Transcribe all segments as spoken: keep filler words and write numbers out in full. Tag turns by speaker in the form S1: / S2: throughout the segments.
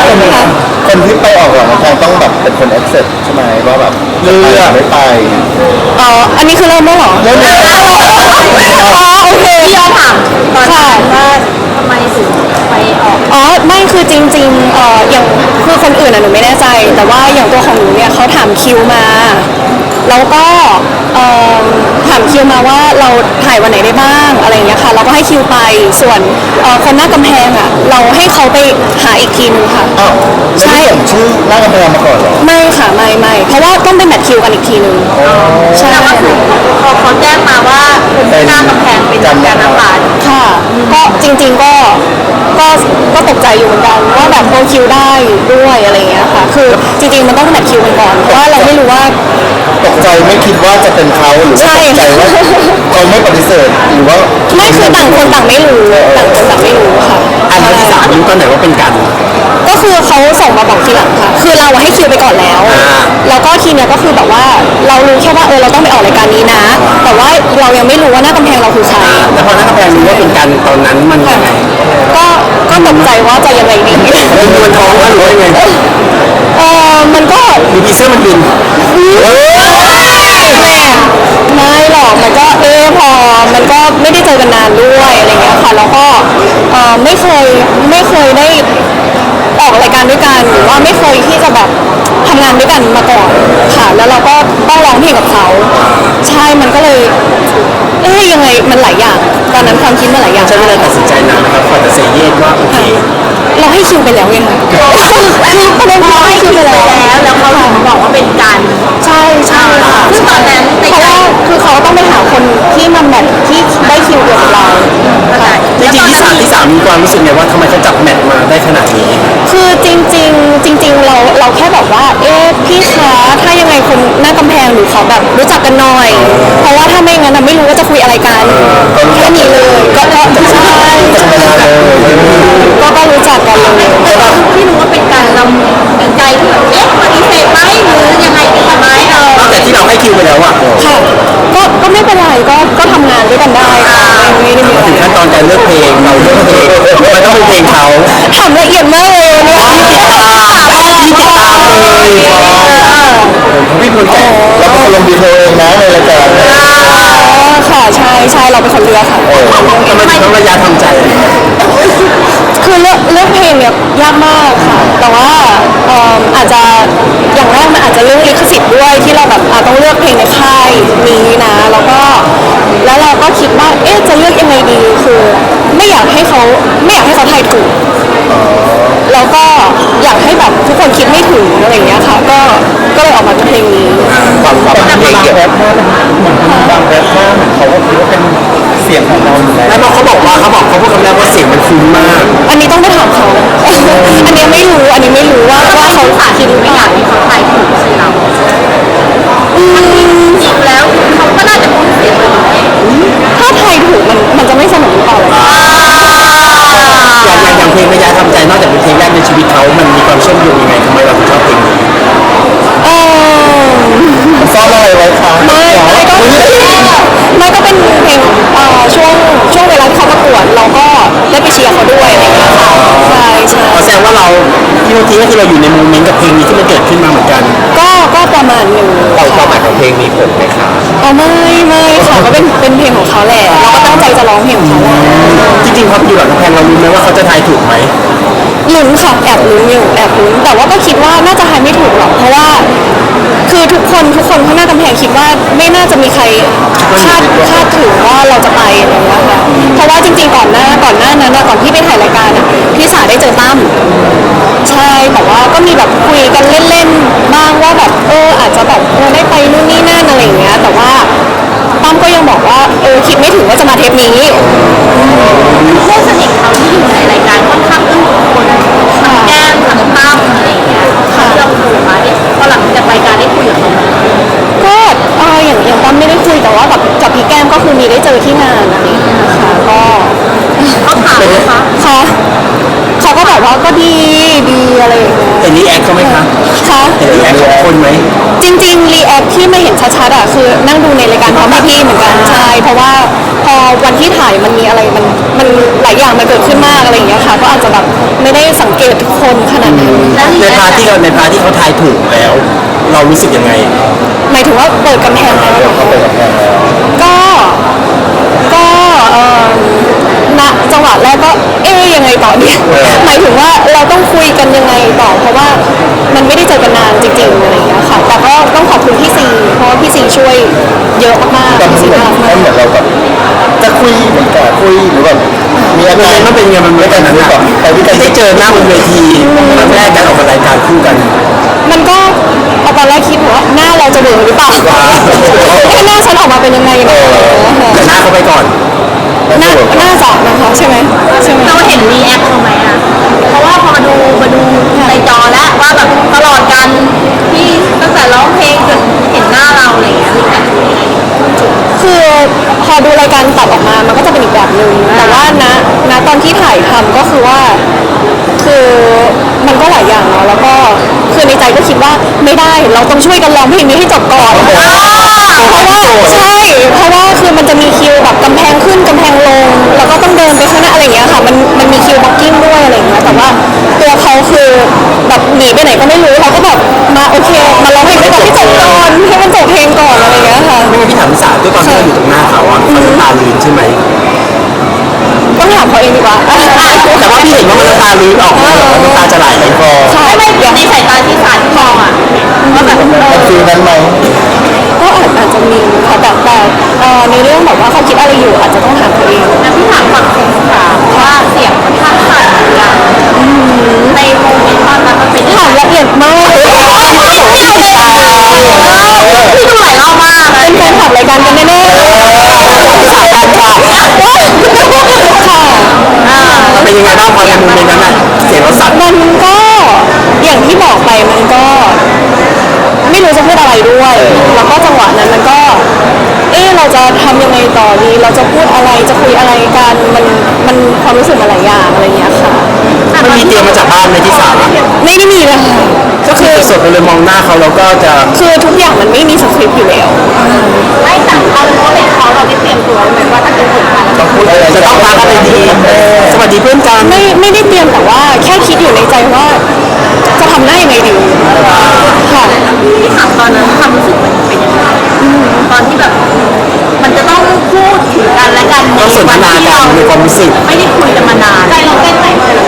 S1: คนที่ไปออกหลังแข่งต้องแบบเป็นคน accept ใช่ไหมว่าแบบเลือกไม่ไป
S2: อ๋ออันนี้คือเริ่มแล้วเหรอ
S1: เริ่มแล้ว
S2: อ๋อโอเค
S3: พี่ยอมถามตอนนั้นว่าทำไมถึงไปออก
S2: อ๋อไม่คือจริงๆเอ่ออย่างคือคนอื่นอ่ะหนูไม่แน่ใจแต่ว่าอย่างตัวของหนูเนี่ยเขาถามคิวมาแล้วก็เอ่อถามคิวมาว่าเราถ่ายวันไหนได้บ้างอะไรอย่างเงี้ยค่ะเราก็ให้คิวไปส่วนเอ่อคนหน้ากำแพงอ่ะเราให้เขาไปหาอีกทีนึงค่ะ
S1: อ้าวใช่ชื่อหน้ากำแพงมาก่อนเหรอ
S2: ไม่ค่ะไม่ไม่เพราะว่าต้องไปแมทคิวกันอีกทีนึง
S3: ใช่ก็คือพอเขาแจ้งมาว่าเป็นหน้ากำแพงเป็นการนักบาส
S2: ค่ะก็จริงๆก็ก็ก็ตกใจอยู่เหมือนกันว่าแบบโอคิวได้ด้วยอะไรเงี้ยค่ะคือจริงๆมันต้องแมทคิวกันก่อนเพราะว่าเราไม่รู้ว่า
S1: ตกใจไม่คิดว่าจะเป็นเขาหรือว่าตกใจว่าเขาไม่ปฏิเสธหรือว่า
S2: ไม่คือต่างคนต่างไม่รู้ต่างคนต่างไม่รู้ค่ะ
S1: อันที่สามรู้ตอนไหนว่าเป็นกัน
S2: ก็คือเขาส่งมาบอกทีหลังค่ะคือเราให้คิวไปก่อนแล้วแล้วก็ทีเนี้ยก็คือแบบว่าเรารู้แค่ว่าเออเราต้องไปออกรายการนี้นะแต่ว่าเรายังไม่รู้ว่าหน้ากำแพงเราคือใคร
S1: แต่พอหน้ากำแพงรู้ว่าเป็นกันตอนนั้นมันยังไง
S2: ก็ก็ตกใจว่าจะยังไงดี
S1: มันมวนท้องหรือว่ายังไง
S2: เออมันก็
S1: มีพีเสื้อมันบิน
S2: ไม่หรอกมันก็เออพอมันก็ไม่ได้เจอกันนานด้วยอะไรเงี้ยค่ะแล้วก็เออไม่เคยไม่เคยได้ออกรายการด้วยกันหรือว่าไม่เคยที่จะแบบทำงานด้วยกันมาก่อนค่ะแล้วเราก็ต้องร้องเพลงกับเขาใช่มันก็เลยเอ๊ยยังไงมันหลายอย่างตอนนั้นความคิดมันหลายอย่าง
S1: ใช่ไหมเลยตัดสินใจนานนะครับก่อนจะเซเยสว่าโอเค
S2: เราให้คิวไปแล้วไงคะคือประเด็นเราให้คิวไปแล้ว
S3: แล้วเขาถึงบอกว่าเป็นการ
S2: ใช่ใช่ค่ะ
S3: ซึ่งตอนนั้น
S2: เพราะว่าคือเขาต้องไปหาคนที่มาแมทที่ได้คิวเดียวกับเรา
S1: จริงๆที่สามที่สามมีความรู้สึกไงว่าทำไมเขาจับแมทมาได้ขนาดนี้
S2: คือจริงๆจริงๆเราเราแค่บอกว่าเอ๊ะพี่คะถ้ายังไงคนหน้ากำแพงหรือเขาแบบรู้จักกันหน่อยเพราะว่าถ้าไม่งั้นไม่รู้ว่าจะคุยอะไรกันแค่นี้เลยก็ก็ใช่ก็ก็รู้จักกันเลย
S3: ที่รู้ว่าเป็นการเราเป็นใจที่แบบเอ๊ะปฏิเสธไหมหรือยังไงดีไหมเออ
S1: แต่ที่เราให้คิวไปแล้วอ่ะ
S2: ค่ะก็ก็ไม่เป็นไรก็ก็ทำงานด้วยกันได้ค่ะไม่ได้มี
S1: ถึงขั้นตอนการเลือกเพลงเราเลือกเพลงมันต้องเป็นเพลงเขา
S2: ถามละเอียดมากเลยเนี่ย
S1: ที่ติดตามที่ติดตามเลยพี่พูดแต่เราเป็นคนลงดีเทลเองนะในรายการ
S2: ค่ะใช่ใช่เราเป็นคนเลือกค่ะ
S1: ทำไมถึงต้องระยะทำใจ
S2: คือเลือกเลือกเพลงเนี่ยยากมากค่ะแต่ว่าอาจจะอย่างแรกมันอาจจะเรื่องลิขสิทธิ์ด้วยที่เราแบบต้องเลือกเพลงในค่ายนี้นะแล้วก็แล้วเราก็คิดว่าเอ๊ะจะเลือกยังไงดีคือไม่อยากให้เขาไม่อยากให้เขาทายถูกแล้วก็อยากให้แบบทุกคนคิดไม่ถึงอะไรอย่างเงี้ยค่ะก็ก็เลยออกมาเป็นเพลงนี้
S1: ความความเพลงเกี่ยวกับบางแรปมากเขาก็คิดว่าเป็นเสียงของเราแล้วเขาบอกว่าเขาบอกเขาพูดคำแรกว่าเสียงมันคุ้นมาก
S2: อันนี้ต้องไปถามเขาอันนี้ไม่รู้อันนี้ไม่รู้ว่าว่าเขา
S3: ขาดคิดไม่อยากให้เขาทายถูกใช่เราอืมจริงแล้วเขาก็น่าจะคุ้นเสียงเรา
S2: ถ้าทายถูกมันมันจะไม่สนุกหรือเปล่า
S1: อย่างอย่างเพลงระยะทำใจนอกจากเป็นเพลงแรกในชีวิตเขามันมีความเชื่อมโยงยังไงทำไมเราถึงชอบเพลงนี้
S2: เออ
S1: ซ่อนอะไรไว้คะ
S2: ไม่ไม่ก็ไม่ก็เป็นเพลงช่วงช่วงเวลาเขาประกวดเราก็ได้ไปเชียร์เขาด้วยอะไรอย่างเงี้ยค่ะใช่ใช่
S1: แสดงว่าเราที่เมื่อกี้ก็คือเราอยู่ในโมเมนต์กับเพลงนี้ที่มันเกิดขึ้นมาเหมือนกัน
S2: ก็ก็ประมาณหนึ่ง
S1: เราความหมายของเพลงมีผลไหมคะ
S2: อ๋อไม่ไม่ค่ะก็เป็นเป็นเพลงของเขาแหละเราก็ตั้งใจจะร้องเพลงของเขาแหละ
S1: จริงๆพออยู่หลังกำแพงเรารู้ไหมว่าเขาจะทายถูกไหม
S2: ลุ้นค่ะแอบลุ้นอยู่แอบลุ้นแต่ว่าก็คิดว่าน่าจะทายไม่ถูกหรอกเพราะว่าคือทุกคนทุกคนข้างหน้ากำแพงคิดว่าไม่น่าจะมีใครคาดคาดถึงว่าเราจะไปอะไรอย่างเงี้ยค่ะเพราะว่าจริงๆก่อนหน้าก่อนหน้านั้นก่อนที่ไปถ่ายรายการอ่ะพี่สาได้เจอตั้มใช่แต่ว่าก็มีแบบคุยกันเล่นๆบ้างว่าแบบเอออาจจะแบบเออได้ไปนู่นนี่นั่นอะไรอย่างเงี้ยแต่ว่าตั้มก็ยังบอกว่าเออคิดไม่ถึงว่าจะมาเทปนี้
S3: เพื่อนสนิทเขาที่อยู่ในรายการค่อนข้างอึ้งคนทั้งแก้มทั้งตั้มอะไรอย่างเงี้ยเราดูมาเนี่ยพอหลังจากรายการได้คุยกับเขา
S2: ก็เอออย่างอย่างตั้มไม่ได้คุยแต่ว่ากับกับพี่แก้มก็คือมีได้เจอที่งานอะไรอย่างเงี้ยค่ะก็
S3: เขาถามไหมคะ
S2: ค่ะเขาก็แบบว่าก็ดีดีอะไรอย่างเงี้ย
S1: เห็นรีแอคเขาไหมคะ
S2: คะ
S1: เห็นรีแอคของคนไหม
S2: จริงๆรีแอคที่ไม่เห็นชัดๆอ่ะคือนั่งดูในรายการพร้อมพี่ๆเหมือนกันใช่เพราะว่าพอวันที่ถ่ายมันมีอะไรมันมันหลายอย่างมันเกิดขึ้นมากอะไรอย่างเงี้ยค่ะก็อาจจะแบบไม่ได้สังเกททุกคนขนาดนั้น
S1: ในพาร์ทที่เราในพาร์ทที่เขาทายถูกแล้ว เรารู้สึกยังไง
S2: หมายถึงว่าเปิดกำแพงแล้วเหรอ
S1: เขาเปิดกับแพงแล้ว
S2: ก็ก็เอ่อณจังหวะแรกก็เอ๊ยยังไงต่อเนี่ยหมายถึงว่าเราต้องคุยกันยังไงต่อเพราะว่ามันไม่ได้เจอกันนานจริงๆอะไรอย่างเงี้ยค่ะแต่ก็ต้องขอบคุณพี่ซีเพราะว่าพี่ซีช่วยเยอะมาก
S1: ตอน
S2: ๆพี่ซี
S1: ที่เหมือน
S2: น่ารักมาก
S1: เหมือนเราแบบจะคุยเหมือนกับคุยหรือแบบมีอาการมันเป็นยังไงมันไม่กันนั้นอะแต่ที่ได้เจอหน้าบนเวทีครั้งแรกการออกมารายการคู่กัน
S2: มันก็เอาตอนแรกคิดว่าหน้าเราจะเบื่อหรือเปล่าถ้าหน้าฉันออกมาเป็นยังไงนะ
S1: แต่หน้าเขาไปก่อน
S2: หน้าหน้าจับนะคะใช่ไหมใช่ไหม
S3: เราเห็นรีแอคเขาไหมอ่ะเพราะว่าพอมาดูมาดูในจอแล้วว่าแบบตลอดการที่ตั้งแต่ร้องเพลงจนเห็นหน้าเราอะไรอย่างเงี้ยรีแอคเป็นยังไง
S2: คือพอดูรายการตัดออกมามันก็จะเป็นอีกแบบหนึ่งแต่ว่าณณตอนที่ถ่ายทำก็คือว่า คือมันก็หลายอย่างเนาะแล้วก็คือในใจก็คิดว่าไม่ได้เราต้องช่วยกันร้องเพลงนี้ให้จบก่อนเพราะว่าใช่เพราะว่าคือมันจะมีคิวแบบกำแพงขึ้นกำแพงลงแล้วก็ต้องเดินไปข้างหน้าอะไรอย่างเงี้ยค่ะมันมันมีคิวบล็อกกิ้งด้วยอะไรอย่างเงี้ยแต่ว่าตัวเขาคือแบบหนีไปไหนก็ไม่รู้เขาก็แบบมาโอเคมาร้องเพลงด้วยกันให้จบก่อนให้มันจบเพลงก่อนอะไรอย่างเงี้ยค่ะ
S1: ไม่งั้นพี่ถามพี่สาวด้วยตอนที่เราอยู่ตรงหน้าเขาอะเขาน้ำตาลื้นใช่ไหม
S2: ต้องถามเขาเองดีกว่า
S1: แต่ว่าพี่เห็นว่ามันน้ำตาลื้นออกมาแบบน้ำตาจะไหลคอ
S2: ใช่
S3: ไม่ไม่ในสายตาที่สารที่มองอ่ะว่าแบบเออ
S1: ฟีลนั้นไหม
S2: ก็อาจอาจจะมีค่ะแต่แต่เอ่อในเรื่องแบบว่าเขาคิดอะไรอยู่อาจจะต้องถามตัวเอง
S3: แล้วพี่ถามฝั่งคนถามว่าเสียงค่อนข้างสั่นหรือยังในโมเมนต์ตอนนั้นมันเป็นยัง
S2: ถาม
S3: ไง
S2: ละเอียดมากเลย
S3: พี่ดูหลายรอบมากเลย
S2: เป็นแฟนคลับรายการกันแน่ๆสายการค่ะค่ะ
S1: เป็นยังไงบ้างพอในโมเมนต์นั้นอะเสียงเราสั่น
S2: มันก็อย่างที่บอกไปมันก็ ไม่รู้จะพูดอะไรด้วย แล้วก็จังหวะนั้นมันก็ เอ๊ะเราจะทำยังไงต่อดี เราจะพูดอะไรจะคุยอะไรกันมันมันความรู้สึกมาหลายอย่างอะไรอย่างเงี้ยค่ะ
S1: มันมีเตรียมมาจากบ้านในที่สามอะ
S2: ไม่ได้มีเลยค่ะ
S1: ก็คือสดๆไปเลยมองหน้าเขาแล้วก็จะ
S2: คือทุกอย่างมันไม่มีสคริปต์อยู่แล้ว
S3: ไม่แต่เขาเขาเป็นเขาเราได้เตรียมตัวไหมว่าถ้าเป็นผมกัน
S1: ต้องพูดจะต้องทักอะไรดีสวัสดีเพื่อนกัน
S2: ไม่ไม่ได้เตรียมแต่ว่าแค่คิดอยู่ในใจว่า จะทำหน้ายังไงดีค่ะ
S3: ที่ถามตอนนั้นความรู้สึกมันเป็นยังไงตอนที่แบบ มันจะต้องพูดถึงกันและกัน
S1: ต้องสนทนากันในความรู้สึก
S3: ไม่ได้คุยกันมานานใจเราเต้นไหม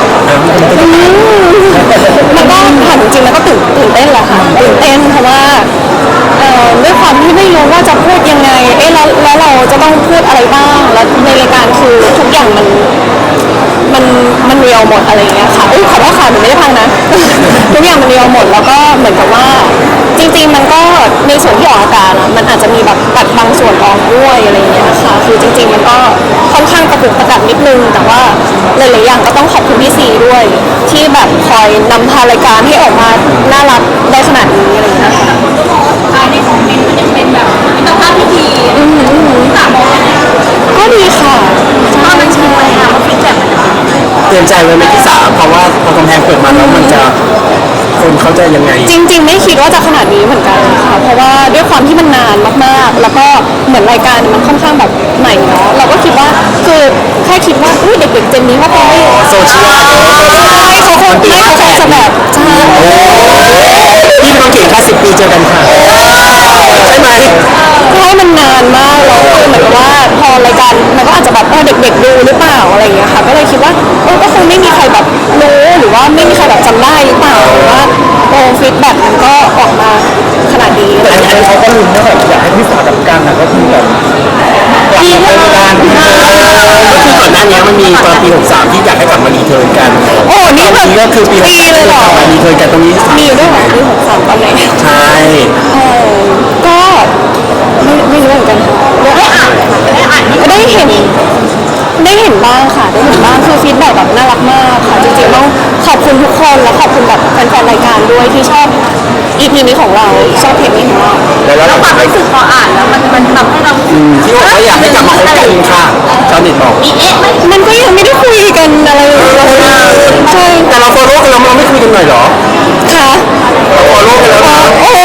S2: มันก็ถามจริงๆแล้วก็ตื่นตื่นเต้นแหละค่ะตื่นเต้นเพราะว่าเอ่อด้วยความที่ไม่รู้ว่าจะพูดยังไงเอ๊ะแล้วแล้วเราจะต้องพูดอะไรบ้างแล้วในรายการคือทุกอย่างมัน มันมันเรียวหมดอะไรอย่างเงี้ยค่ะอุ้ยขอโทษค่ะหนูไม่ได้พังนะ ทุกอย่างมันเรียวหมดแล้วก็เหมือนกับว่า จริงๆมันก็ในส่วนที่ออกอากาศอะมันอาจจะมีแบบตัดบางส่วนออกด้วยอะไรอย่างเงี้ยค่ะคือจริง ๆ มันก็ค่อนข้างกระปุกกระดับนิดนึงแต่ว่าหลายๆอย่างก็ต้องขอบคุณพี่ซีด้วย ที่แบบคอยนำพารายการให้ออกมาน่ารักได้ขนาดนี้อะไรอย่างเงี้ยค่ะ
S3: ภายในคอมเมนต์มันยังเป็นแบบมิตรภาพที่ดีสามบอกยังไง
S2: ก็ดีค่ะ
S3: ตอนนั้นคิดไหมอะว่าฟีดแบ็กมันจะเป็นยังไง
S1: เตรียมใจไว้ไหมที่สามเพราะว่าพอกำแพงเปิดมาแล้วมันจะคนเขาจะยังไง
S2: จริง ๆ ไม่คิดว่าจะขนาดนี้เหมือนกันค่ะ เพราะว่าด้วยความที่มันนานมากๆ แล้วก็เหมือนรายการมันค่อนข้างแบบใหม่เนาะ เราก็คิดว่าคือแค่คิดว่าอุ้ยเด็กๆเจนนี้เขาคงไม่
S1: โซเชียล
S2: ใช่เขาคงไม่เขาคงจะแบบใช่
S1: พี่บางเก่งแค่สิบปีเจอกันค่ะใช่ไหม
S2: ใช่มันนานมากแล้วคือเหมือนกับว่าพอรายการมันก็อาจจะแบบเออเด็ก ๆ ดูหรือเปล่าอะไรอย่างเงี้ยค่ะ ก็เลยคิดว่าเออก็คงไม่มีใครแบบรู้หรือว่าไม่มีใครแบบจำได้หรือเปล่าหรือว่าโอ้ฟีดแบ็กมันก็ออกมาขนาดนี้
S1: แต่อันนี้เขาก็ลุ้นว่าแบบอยากให้พี่สาวกับกันนะก็คือแบบกลับมาเป็นการก็คือก่อนหน้านี้มันมีตอนปีหกสามที่อยากให้กลับมารีเทิร์นกัน
S2: โอ้นี่
S1: ต
S2: แบ
S1: อน
S2: บ
S1: นี้ก็คือปี
S2: ปีเลยเหรอ
S1: กลับมารีเทิร์นกันตรงนี้
S2: มีอยู่ด้วยเหรอปีหกสามตอนไหน
S1: ใช่
S2: เออก็ไม่ไม่รู้เหมือนกันค่ะ
S3: ได้อ่านได้อ่านที่
S2: ได้เห็นได้เห็นบ้างค่ะได้เห็นบ้างคือฟีดแบ็กแบบน่ารักมากค่ะจริงๆต้องขอบคุณทุกคนและขอบคุณแบบแฟนๆรายการด้วยที่ชอบ อี พี นี้ของเราชอบเพลงนี้ของเรา
S1: แล้ว
S3: แล้ว
S1: เรา
S3: ความรู้สึกพออ่านแล้วมันมันทำให้เรา
S1: ที่บอกว่าอยากให้กลับมาคบกันค่ะชาวเน็ตบอก
S3: มีเอ๊ะไหม
S2: มันก็ยังไม่ได้คุยกันอะไรเลยใช่
S1: แต่เราฟอลโล่กันแล้วเราไม่คุยกันหน่อยเหรอ
S2: ค่ะ
S1: เราฟอลโล่กันแล้วนะ
S2: โอ้โห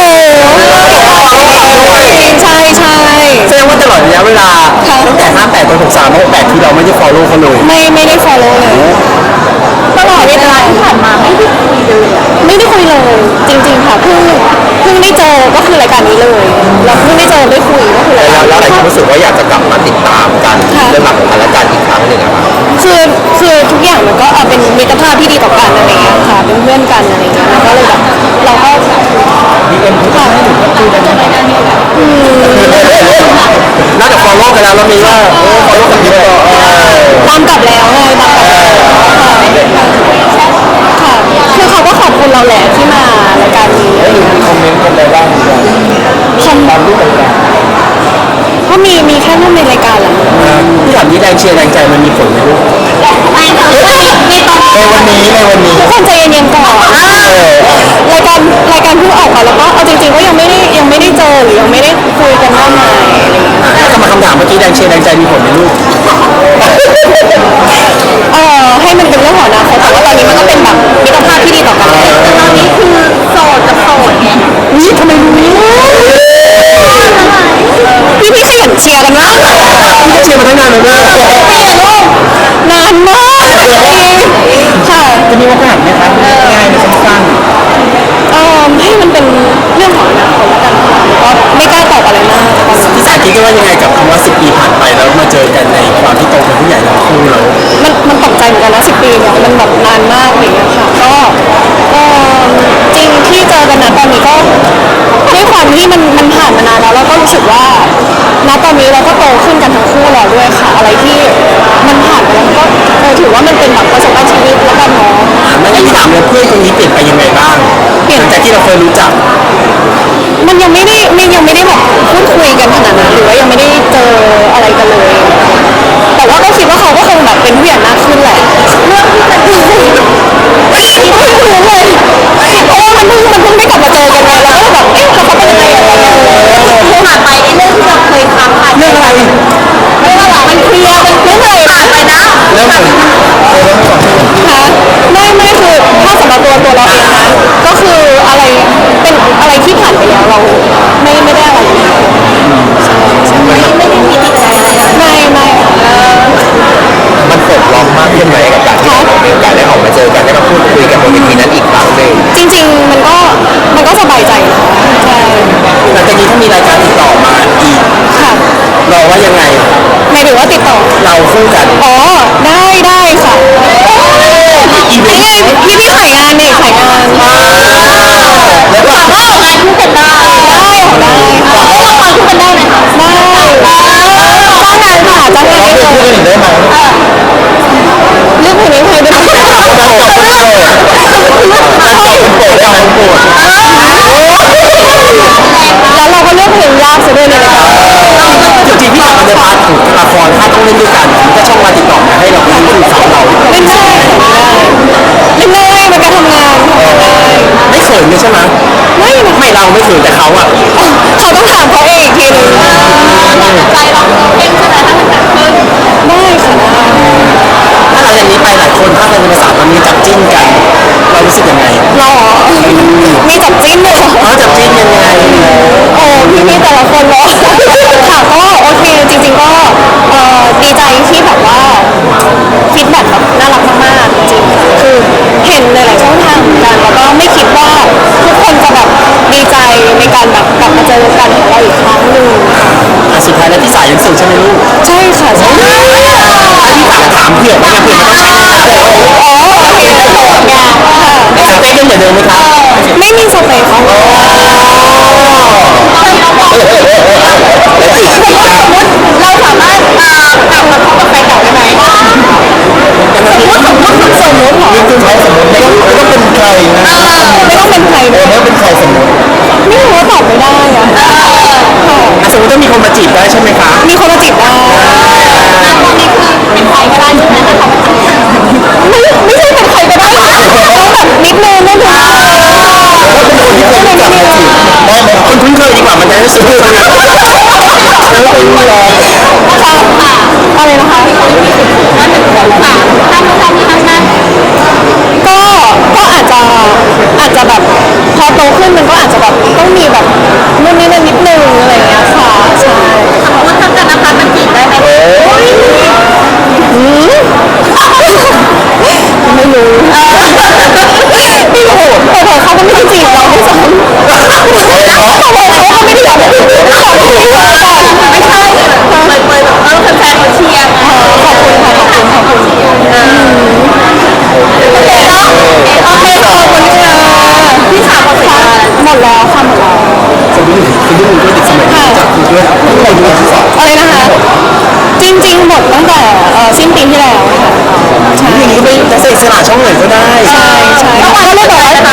S2: ใช่ใช่
S1: แสดงว่าตลอดระยะเวลาตั้งแต่ห้าแปดจนหกสามหกแปดที่เราไม่ได้ฟอลโล่เขาเลย
S2: ไม่ไม่ได้ follow เลยตลอดเว
S3: เว
S2: ลา
S3: ลาที่ผ่านมาไม่
S1: รู้สึกว่าอยากจะกลับมาติดตามกันเรื่องราวของกันและกันอีกครั้งหนึ่งอะครับ
S2: คือคือทุกอย่างมันก็เอ่อเป็นมิตรภาพที่ดีต่อกันอะไรเงี้ยค่ะเป็นเพื่อนกันอะไรเงี้ยแล้วก็เลยแบบเราก็
S1: ดีเอ็มทุกท่านให้หนูก็คุยกันได้
S2: อืม
S1: น่าจะ follow กันแล้วแล้วมีว่าเออ follow กันเยอะเออ
S2: ตามกลับแล้วไงตามกลับแล้วค่ะค่ะคือเขาก็ขอบคุณเราแหละที่มารายการนี้อะไรเงี้ย
S1: คอมเมนต์กันอะไรบ้าง
S2: คอม
S1: ตามรูปต่าง
S2: ก็มีมีแค่รูปในรายการแหละ
S1: ๆที่ถามนี้แรงเชียร์แรงใจมันมีผลไหมลูก
S3: ไม่ไม่ไม่ต้อง
S1: ในวันนี้ในวันนี้
S2: ทุกคนใจเย็นๆก่อนรายการรายการเพิ่งออกมาแล้วก็เอาจริงๆก็ยังไม่ได้ยังไม่ได้เจอหรือยังไม่ได้คุยกันมากมายอะไรเงี้ย
S1: ถ้ากลับมาคำถามเมื่อกี้แรงเชียร์แรงใจมีผลไหมลูก
S2: เออให้มันเป็นเรื่องของอนาคตแต่ว่าตอนนี้มันก็เป็นแบบมิตรภาพที่ดีต่อกัน
S3: แต่ตอนนี้คือโสดกับโสดไง
S2: นี่ทำไมรู้พี่พี่ขยันเชียร์กันมาก
S1: พี่ก็เชียร์มาตั้งนานแล้วนะ
S2: เชียร์ลูกนานมากค่ะ
S1: จะมีโอกาสไหมครับง่ายๆสั้น
S2: เออให้มันเป็นเรื่องของอนาคตแล้วกันค่ะก็ไม่กล้าตอบอะไรมาก
S1: ๆพี่สายคิดว่ายังไงกับคำว่าสิบปีผ่านไปแล้วมาเจอกันในความที่โตเป็นผู้ใหญ่ทั้งคู่แล้ว
S2: มันมันตกใจเหมือนกันนะสิบปีเนี่ยมันแบบนานมากอย่างเงี้ยค่ะก็เออจริงที่เจอกันนะตอนนี้ก็ด้วยความที่มันมันผ่านมานานแล้วเราก็รู้สึกว่าณตอนนี้เราก็โตขึ้นกันทั้งคู่แล้วด้วยค่ะ อะไรที่มันผ่านไปแล้วมันก็เออถือว่ามันเป็นแบบประสบการณ์ชีวิตแล้วกันเนาะ
S1: ไม่ได้ถามเลยเพื่อนคนนี้เปลี่ยนไปยังไงบ้างหลังจากที่เราเคยรู้จัก
S2: มันยังไม่ได้มันยังไม่ได้แบบพูดคุยกันขนาดนั้นหรือว่ายังไม่ได้เจออะไรกันเลย แต่ว่าก็คิดว่าเขาก็คงแบบเป็นผู้ใหญ่มากขึ้นแหละเรื่องที่จะดีไม่รู้เลยเพราะว่ามันเพิ่งมันเพิ่งได้กลับมาเจอกันไงเราก็แบบเอ๊ะเขาเป็นยังไงอะไรเงี้ย
S3: ผ่านไปไอ้เรื่องที่เราเคยทำผ่าน
S1: เรื่องอะไร
S3: ไม่ว่าหรอกมันเคลียร์มันไม่เลยผ่านไปนะ
S1: เรื่องอะไร
S2: คะไม่ไม่คือถ้าสำหรับตัวตัวเราเองนะก็คืออะไรเป็นอะไรที่ผ่านไปแล้วเราไม่ไม่ได้อะไรเลยใช่ใช่
S3: ไม่ได้มีติดใจอะไร
S2: ไม่ไม่
S1: มันปลดล็อกมากขึ้นไหมกับการที่เรามีโอกาสได้ออกมาเจอกันได้มาพูดคุยกันบนเวทีนั้นอีกครั้งหนึ่ง
S2: จริงๆมันก็มันก็สบายใจนะคะใช่
S1: หลังจากนี้ถ้ามีรายการติดต่อมาอีก
S2: ค่ะ
S1: เราว่ายังไง
S2: หมายถึงว่าติดต่อ
S1: เราคู่กัน
S2: อ๋อได้ได้ค่ะ
S1: อีเวนต์
S2: พี่พี่ขายงานนี่ขายงานได้
S1: แล้วก็
S3: ว่าออกงานคู่กันได้
S2: ได้ได้
S3: ออกงานคู่กันได้ไหมคะ
S2: ได้จ้างงานค่ะจ้างงาน
S1: เรา
S2: ได้
S1: เป็น
S2: เล
S1: คู่
S2: ย
S1: กันอีกได้ไหม
S2: เรื่องเพลงนี้ใครได้ไหม
S1: เราเป็นโปรดเราเป็นโปรดเราเป็นโปรดเราเป็นโปรด
S2: แล้วเราก็เลือกเพลงยากซะด้วยในรายการ
S1: จริงๆพี่ถามในพาร์ทของละครถ้าต้องเล่นด้วยกันถ้าช่องวันติดต่อมาให้เราเล่นคู่สาวเรา
S2: เล่นได้เล่นได้มันก็ทำงานทำงานได้
S1: ไม่เขินเลยใช่ไหม
S2: ไม่นะ
S1: ไม่เราไม่เขินแต่เขาอะ
S2: เขาต้องถามเขาเองอีกทีหนึง
S3: ใจเราเพ่งใช่ไหมถ้ามันเกิดขึ้น
S2: ได้ค่ะได้
S1: ถ้าหลังจากนี้ไปหลายคนถ้าเป็นภาษามันมีจับจิ้นกัน เรารู้สึกยังไง
S2: หรอมีจับจิ้นเลยเหรอ
S1: เขาจับจิ้นยังไง
S2: โอ้พี่พี่แต่ละคนเนาะค่ะก็โอเคจริงๆก็เอ่อดีใจที่แบบว่าฟีดแบ็กแบบน่ารักมากๆจริงๆค่ะคือเห็นหลายๆช่องทางเหมือนกันแล้วก็ไม่คิดว่าทุกคนจะแบบดีใจในการแบบกลับมาเจอกันของเราอีกครั้งหนึ่ง
S1: อ่ะสุดท้ายแล้วพี่สายยังโสดใช่ไหมลูก
S2: ใช่ค่ะใช่
S1: พี่สายถามเผื่อไหมเผื่อมันต้องใช่
S2: อ๋อโอเคได้โสดไงค่ะ
S1: ในสเปคยังเหมือนเดิมไหมครับ
S2: ไม่มีสเปคค่ะ
S3: เราสามารถอ่ากลับมาคบกับแฟนเก่าได้ไหม
S2: สมมติสมมติสมมติเหรอ
S1: นี่คือเขาสมมติไม่ต้องไม่ต้องเป็นใครนะ
S2: ไม่ต้องเป็นใคร
S1: เอ
S2: เล
S1: อย ไม่ต้องเป็นใครสมมติ
S2: ไม่รู้ว่าตอบไม่ได้อะค่ะ
S1: อ่ะสมมติถ้ามีคนมาจีบได้ใช่ไหมคะ
S2: มีคนมาจีบได้
S3: ตอนนี้คือเป็นใครก็ได้ใช่ไหมถ้าเขาเป็น
S2: ไม่ไม่ใช่เป็นใครก็ได้ต้องแบบนิดนึงนิดนึง
S1: แล้วเป็นคนที่เคยรู้จักมาจีบได้ไหมคนคุ้นเคยดีกว่ามันจะได้สนุกแล้วเป็นรอ
S2: ค่ะอะไรนะคะ
S3: ว่าถึงสองสามถ้าไม่ทำที่ทำนั้น
S2: ก็ก็อาจจะอาจจะแบบพอโตขึ้นมันก็อาจจะแบบต้องมีแบบนู่นนี่นั่นนิดนึงอะไรอย่างเงี้ยค่ะใช่
S3: สมมติถ้าเกิดนะคะมันจีบได้ไหม
S2: อืมไม่รู้ไม่รู้เผลอๆเขาก็ไม่ได้จีบเราด้วยซ้ำเผลอๆเขาก็ไม่ได้อยากจะจีบเราไม่ใช่เผ
S1: ดูด้วยเด็กสมัยนี้จากดูด้วยที่เราดูที่สอง
S2: อะไรนะคะ จริงๆหมดตั้งแต่เอ่อสิ้นปีที่แล้วค่ะใช่
S1: อย่างนี้ไปจะเสกสละช่องไหนก็ได้
S2: ใช่ใช่แล้วก็เลยบอกว่า